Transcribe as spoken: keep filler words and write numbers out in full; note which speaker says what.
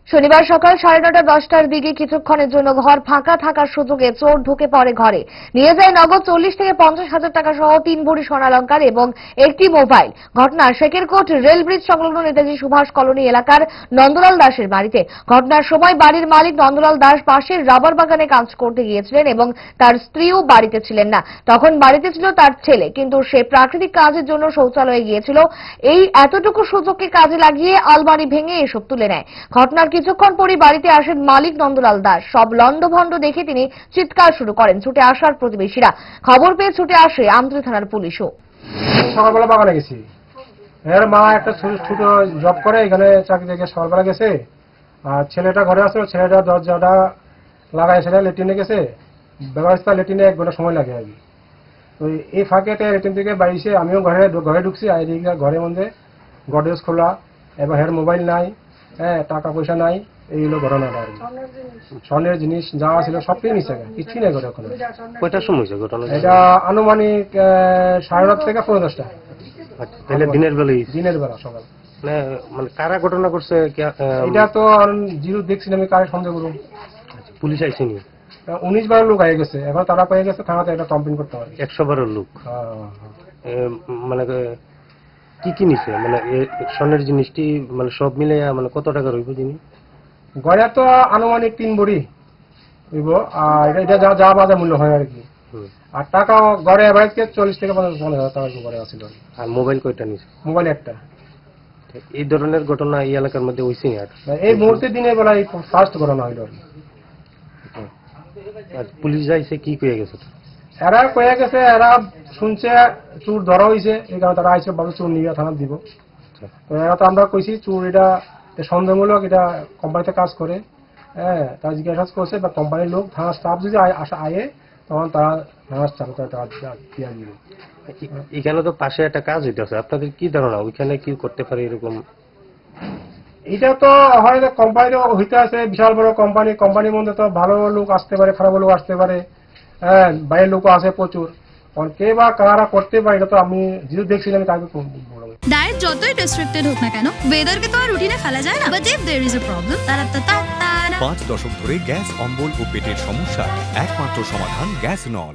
Speaker 1: শনিবার সকাল সাড়ে নটা দশটার দিকে কিছুক্ষণের জন্য ঘর ফাঁকা থাকার সুযোগে চোর ঢুকে পড়ে ঘরে, নিয়ে যায় নগদ চল্লিশ থেকে পঞ্চাশ হাজার টাকা সহ তিন ভরি স্বর্ণালংকার এবং একটি মোবাইল। ঘটনা শেখেরকোট রেল ব্রিজ সংলগ্ন নেতাজি সুভাষ কলোনি এলাকার নন্দলাল দাসের বাড়িতে। ঘটনার সময় বাড়ির মালিক নন্দলাল দাস পাশের রাবার বাগানে কাজ করতে গিয়েছিলেন এবং তার স্ত্রীও বাড়িতে ছিলেন না। তখন বাড়িতে ছিল তার ছেলে, কিন্তু সে প্রাকৃতিক কাজের জন্য শৌচালয়ে গিয়েছিল। এই এতটুকু সুযোগকে কাজে লাগিয়ে আলমারি ভেঙে এসব তুলে নেয়। ঘটনার কিছুক্ষণ পরই বাড়িতে আসেন মালিক নন্দলাল দাস। সব লন্ডভন্ড দেখে তিনি চিৎকার শুরু করেন। ছুটে আসার প্রতিবেশীরা, খবর পেয়ে ছুটে আসে আমতলী থানার পুলিশও।
Speaker 2: সকালবেলা বাগানে গেছি, এর মা একটা ছোট জব করে, এখানে চাকরি থেকে সকালবেলা গেছে, আর ছেলেটা ঘরে আছে। ছেলেটা দরজাটা লাগাই সেটা লেট্রিনে গেছে, ব্যবস্থা লেট্রিনে এক ঘন্টা সময় লাগে আর কি। তো এই ফাঁকেতে লেট্রিন থেকে বাড়িছে, আমিও ঘরে ঘরে ঢুকছি। আর এদিকে ঘরের মধ্যে গডরেজ খোলা, এবার হের মোবাইল নাই, হ্যাঁ টাকা পয়সা নাই, এইগুলো ঘটনাটা আর কি। স্বর্ণের জিনিস যা ছিল সবটাই নিচে, কিছুই নেই ঘরে ওখানে।
Speaker 3: কয়টার সময় হয়েছে ঘটনা?
Speaker 2: এটা আনুমানিক সাড়ে নটা থেকে পনেরো দশটা।
Speaker 3: তাহলে দিনের বেলায়?
Speaker 2: দিনের বেলা সকাল।
Speaker 3: মানে কারা ঘটনা করছে
Speaker 2: এটা তো জিরো দেখছি আমি, কারে সন্দেহ করুন।
Speaker 3: পুলিশ আইসেনি?
Speaker 2: উনিশ বারো লোক আগে গেছে, এখন তারা পেয়ে গেছে, থানাতে এটা কমপ্লেন করতে পারে।
Speaker 3: একশো বারো লোক? মানে কি কি নিছে? মানে স্বর্ণের জিনিসটি মানে সব মিলে মানে কত টাকা রইব জিনিস?
Speaker 2: গড়ে তো আনুমানিক তিন ভরি হইব, আর এটা যা যা বাজার মূল্য হয় আর কি। আর টাকা গড়ে এভারেজ চল্লিশ থেকে পঞ্চাশ হাজার টাকা গড়ে আছিল।
Speaker 3: আর মোবাইল কয়টা নিছে?
Speaker 2: মোবাইল একটা।
Speaker 3: এই ধরনের ঘটনা এই এলাকার মধ্যে হয়েছে? আর
Speaker 2: এই মুহূর্তে দিনের বেলা এই ফার্স্ট ঘটনা হইল।
Speaker 3: আর পুলিশ যাইছে, কি কয়ে গেছে?
Speaker 2: এরা কয়ে গেছে, এরা শুনছে চোর ধরা হয়েছে, এই কারণে তারা আইসে ভাবে চোর নিয়ে থানা দিব। তো এরা তো আমরা কইছি চোর এটা সন্দেহমূলক, এটা কোম্পানিতে কাজ করে, হ্যাঁ তারা জিজ্ঞাসা করছে বা কোম্পানির লোক, থানা স্টাফ যদি আসা আয়ে তখন তারা থানার স্টাফ দিয়ে দিবে।
Speaker 3: এখানে তো পাশে একটা কাজ হইতেছে, আপনাদের কি ধারণা ওইখানে কি করতে পারে এরকম?
Speaker 2: এটা তো হয়তো কোম্পানিরও হইতে আছে, বিশাল বড় কোম্পানি, কোম্পানির মধ্যে তো ভালো লোক আসতে পারে, খারাপ লোক আসতে পারে, হ্যাঁ বাইরের লোকও আছে প্রচুর। কে বা কারা করতে পারে এটা তো আমি যেহেতু দেখছিলাম তাকে বলবো।
Speaker 4: ডায়েট যতই রেস্ট্রিক্টেড হোক না কেন, ওয়েদারকে তো আর রুটিনে ফেলা যায় না। But if there is a problem, তারা
Speaker 5: পাঁচ দশক ধরে গ্যাস, অম্বল ও পেটের সমস্যা একমাত্র সমাধান গ্যাস নল।